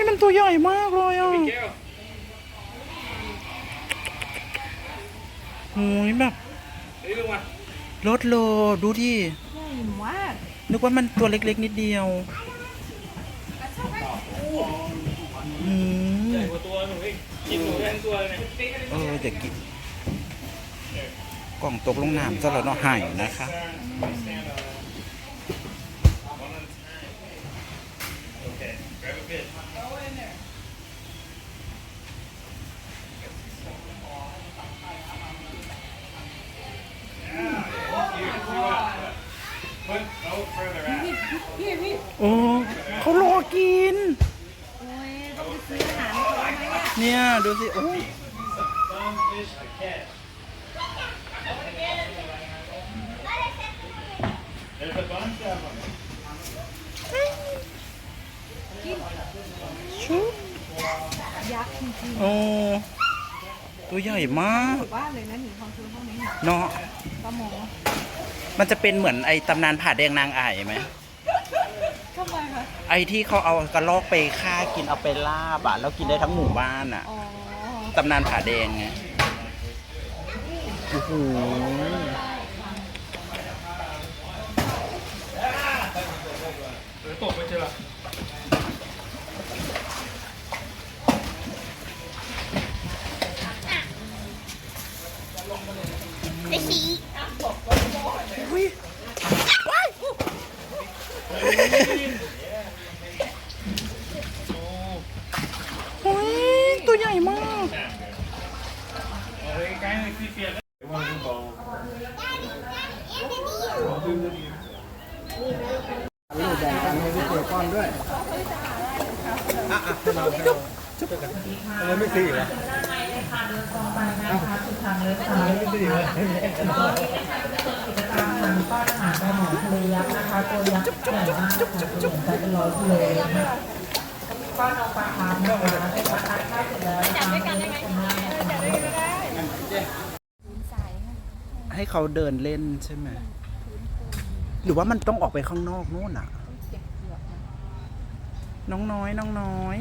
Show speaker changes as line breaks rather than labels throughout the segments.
มันตัวใหญ่มากเลยอ่ะโอ้ยแบบรถโลดูที่
ใหญ่มาก
นึกว่ามันตัวเล็กๆนิดเดียวใหญ่กว่าตัวหนูอีกกินหนูแทนตัวเลยเดี๋ยวกินกล่องตกลงน้ำซะแล้วเนาะหายนะคะโอ้เขารอกิน
โอ้ยต้องไปซื้ออาหารเขาไหมเนี่ย
เนี่ยดูสิโอ้ชุบ
ยักษ์จริง
โอ้ตัวใหญ่มาก
ๆว่าเลยนะหนีความชื้นพวกนี้
เนาะ
ปลาหมอ
มันจะเป็นเหมือนไอ้ตำนานผาแดงนางอ่ายไหม
ทำไมคะ
ไอ้ที่เขาเอากระรอกไปฆ่ากินเอาไปลาบอ่ะแล้วกินได้ทั้งหมู่บ้านอ่ะตำนานผาแดงไงโอ้โหตกไปเจอ
ไอ้สี
โอ้ยตัวใหญ่มาก
แบ่งกันให้พี่เกก้อนด้วยอะไรไม่ซื้อเหรอไม่ซื้อเหรอ
ทางป้อนอาหารปลาหมอทะเลยักษ์นะคะตัวยักษ์ใหญ่มากนะคะตัวใหญ่เป็น100 กิโลนะคะป้อนเอาปลาคาร์ฟนะคะเป็นปลาคาร์ฟข้าวเสร็จแล้วจับด้วยกันได้ไหมจับด้วยกันได้
ให้เขาเดินเล่นใช่ไหมหรือว่ามันต้องออกไปข้างนอกนู่นอ่ะน้องน้อยน้องน้อย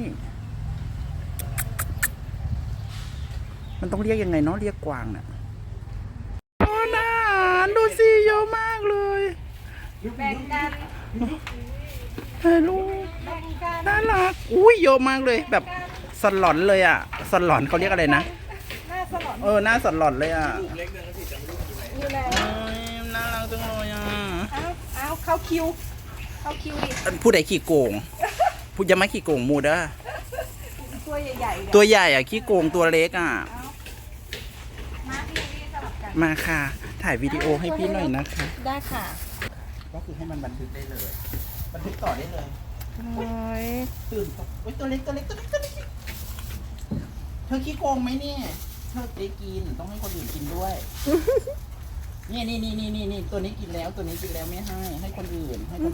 มันต้องเรียกยังไงเนาะเรียกกวางน่ะโอ้น่าดูสิเยอะมากเลย
แบ่งกัน
ถ่ายรูปน่ารักอุ้ยเยอะมากเลยแบบสลอนเลยอ่ะสลอนเขาเรียกอะไรนะ
หน้าสลอน
หน้าสลอนเลยอ่ะ
อยู่แล้ว
น่ารักจังเลยอ่ะ
เอาเข้าคิวดิ
ผู้ใดขี้โกงผู้ยังไม่ขี้โกงมูด้า
ตัวใหญ่
ตัวใหญ่อ่ะขี้โกงตัวเล็กอ่ะ
มาพี่สลับกัน
มาค่ะถ่ายวิดีโอให้พี่หน่อยนะคะ
ได้ค่ะ
ก็คือให้มันบันทึกได้เลยบันทึกต่อได้เลยตื่นตัวเล็กเธอขี้โกงไหมเนี่ยเธอได้กินต้องให้คนอื่นกินด้วยนี่ตัวนี้กินแล้วไม่ให้คนอื่นค่ะ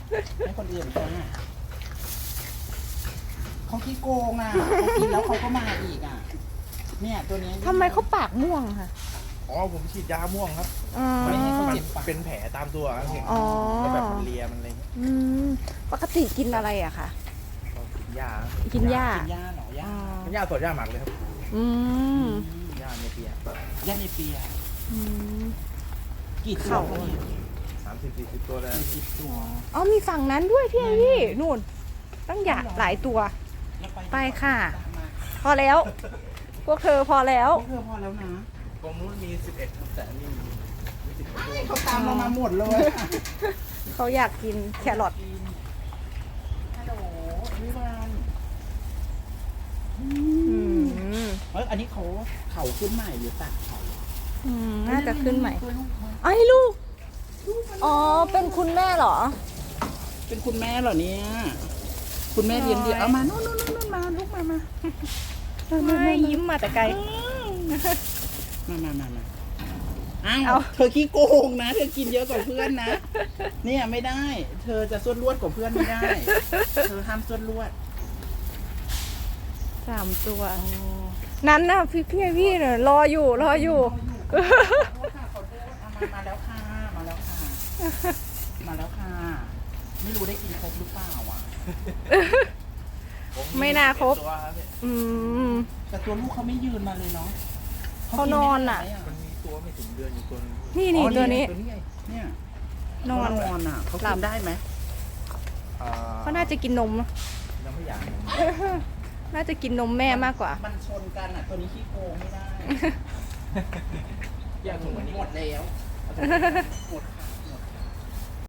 เขาขี้โกงอ่ะเขากินแล้วเขาก็มาอีกอ่ะเนี่ยตัวนี้
ทำไมเขาปากม่วงค่ะ
อ๋อผมฉีดยาม่วงครับ
ไม่ให้เขาเจ็บปาก
เป็นแผลตามตัวเห็น
แล้ว
แบบมันเลียมันอะไร
ปกติกินอะไรอะคะ
กินหญ้า
เหรอห
หญ้าสดหญ้าหมักเลยครับหญ้าเนเปีย
กี่ตัว
30-40 ตัวแล้ว
อ๋อมีฝั่งนั้นด้วยพี่นู่นตั้งหลายตัวไปค่ะพอแล้วพวกเธอพอแล้ว
นะ
ตรงนู้นมี11ครับแต่นี่มี
เขาตามเรามาหมดเลย
เขาอยากกินแครอท
ฮัลโหลวิวานอันนี้เขาขึ้นใหม่หรือตัดเขา
น่าจะขึ้นใหม่ไอ้ลูกอ๋อเป็นคุณแม่เหรอ
เป็นคุณแม่เหรอเนี่ยคุณแม่เลี้ยงดีเอามานู่นมาลูกมา
ไม่ยิ้มมาแต่ไกล
มาอ้าวเธอขี้โกงนะเธอกินเยอะกว่าเพื่อนนะเนี่ยไม่ได้เธอจะส่วนลวดกว่าเพื่อนไม่ได้เธอห้ามส่วนลวด
3 ตัวนั้นนะพี่เนี่ยรออยู่
มาแล้วค่ะไม่รู้ได้กินครบหรือเปล่าอ่ะ
ไม่น่าครบ
ตัวครับพี่
อืม
แต่ตัวลูกเขาไม่ยืนมาเลยเนาะ
เขานอนอะ
กิไม่ได้
มันมีตัวไม่ถึงเดือนอยู่ตัวนึง
นี่นี่
อ๋อ
ตัวนี้
ไงเนี่ย
นอน
เขานอนอ่ะเขา
หลั
กิ
บ
นได้ไหม
เขาน่าจะกินนมนะ
ยังไม่อยาก
น่าจะกินนมแม่มากกว่า
มันชนกันอ่ะตัวนี้ขี้โกงไม่ได้
แยกถุงวันนี้
หมดแล้วหมดค่ะ